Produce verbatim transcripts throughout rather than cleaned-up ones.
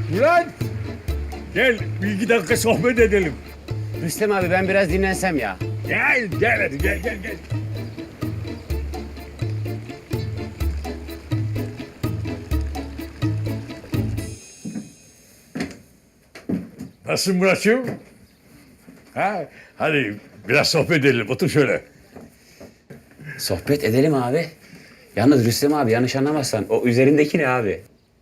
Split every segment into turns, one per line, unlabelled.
Murat! Gel bir iki dakika sohbet edelim.
Rüstem abi ben biraz dinlensem ya.
Gel gel hadi gel gel gel. Nasılsın Murat'cığım? Ha, hadi biraz sohbet edelim. Otur şöyle.
Sohbet edelim abi. Yalnız Rüstem abi yanlış anlamazsan o üzerindeki ne abi?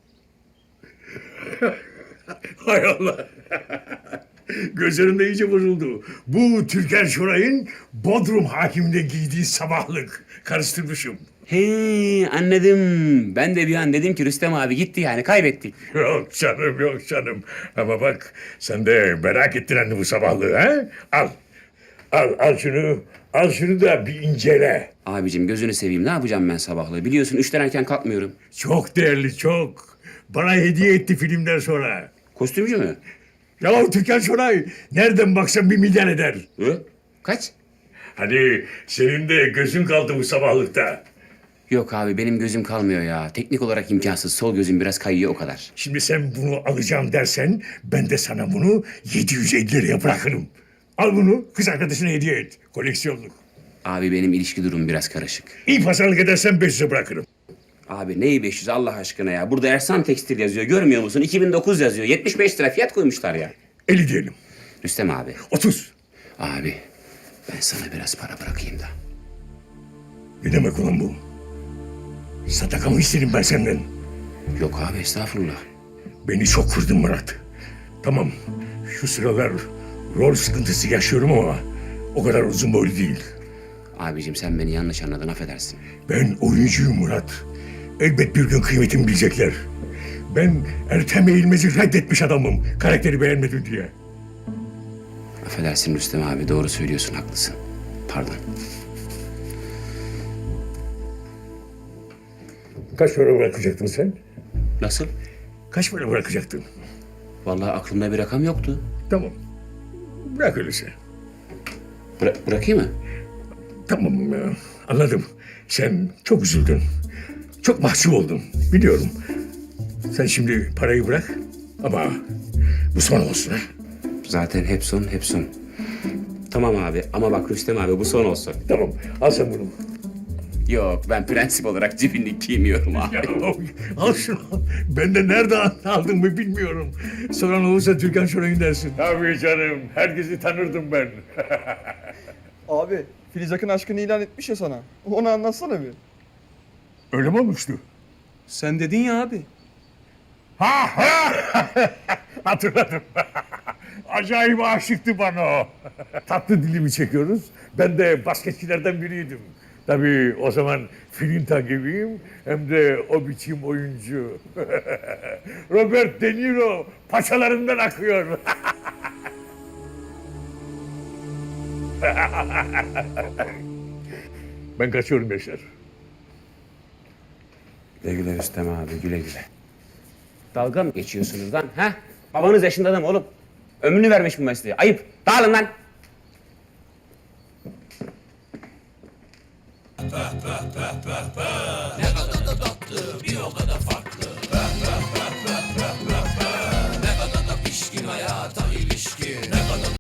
Hay Allah. Gözlerim de iyice bozuldu. Bu Türker Şoray'ın Bodrum hakiminde giydiği sabahlık. Karıştırmışım.
He anladım. Ben de bir an dedim ki Rüstem abi gitti yani kaybettik.
Yok canım, yok canım. Ama bak sen de merak ettin anne bu sabahlığı ha? Al. Al, al şunu. Al şunu da bir incele.
Abicim gözünü seveyim ne yapacağım ben sabahlığı? Biliyorsun üçten erken kalkmıyorum.
Çok değerli, çok. Bana hediye etti filmden sonra.
Kostümcü mü?
Ya Türkan Şoray nereden baksan bir milyar eder.
Hı? Kaç?
Hani senin de gözün kaldı bu sabahlıkta.
Yok abi benim gözüm kalmıyor ya. Teknik olarak imkansız. Sol gözüm biraz kayıyor o kadar.
Şimdi sen bunu alacağım dersen ben de sana bunu yedi yüz elli liraya bırakırım. Al bunu kız arkadaşına hediye et. Koleksiyonluk.
Abi benim ilişki durumum biraz karışık.
İyi pazarlık edersen beş yüze bırakırım.
Abi neyi beş yüz Allah aşkına ya? Burada Ersan Tekstil yazıyor. Görmüyor musun? iki bin dokuz yazıyor. yetmiş beş lira fiyat koymuşlar ya.
elli diyelim.
Rüstem abi.
otuz.
Abi ben sana biraz para bırakayım da.
Ne demek ulan bu? Sadaka mı istedim ben senden?
Yok abi estağfurullah.
Beni çok kırdın Murat. Tamam şu sıralar rol sıkıntısı yaşıyorum ama o kadar uzun boylu değil.
Abicim sen beni yanlış anladın affedersin.
Ben oyuncuyum Murat. Elbet bir gün kıymetimi bilecekler. Ben Ertem Eğilmez'i reddetmiş adamım. Karakteri beğenmedim diye.
Affedersin Rüstem abi doğru söylüyorsun haklısın. Pardon.
Kaç para bırakacaktın sen?
Nasıl?
Kaç para bırakacaktın?
Vallahi aklımda bir rakam yoktu.
Tamam. Bırak öyleyse.
Bıra- bırakayım mı?
Tamam ya. Anladım. Sen çok üzüldün. Çok mahcup oldun. Biliyorum. Sen şimdi parayı bırak. Ama bu son olsun ha.
Zaten hep son hep son. Tamam abi ama bak Rüstem abi bu son olsun.
Tamam. Al sen bunu.
Yok ben prensip olarak cibinlik giymiyorum abi.
Ya, al şunu. Ben de nerede aldın mı bilmiyorum. Soran olursa Türkan Şoray'ın dersin. Tabii canım. Herkesi tanırdım ben.
Abi Filiz Akın aşkını ilan etmiş ya sana. Onu anlatsana bir.
Öyle mi olmuştu?
Sen dedin ya abi.
Ha ha! Hatırladım. Acayip aşıktı bana o. Tatlı dilimi çekiyoruz. Ben de basketçilerden biriydim. Tabii o zaman film takibiyim hem de o biçim oyuncu. Robert De Niro paçalarından akıyor. Ben kaçıyorum Beşer.
Güle güle Rüstem abi güle güle. Dalga mı geçiyorsunuz lan ha? Babanız yaşında adam oğlum. Ömrünü vermiş bu mesleğe. Ayıp. Dağılın lan.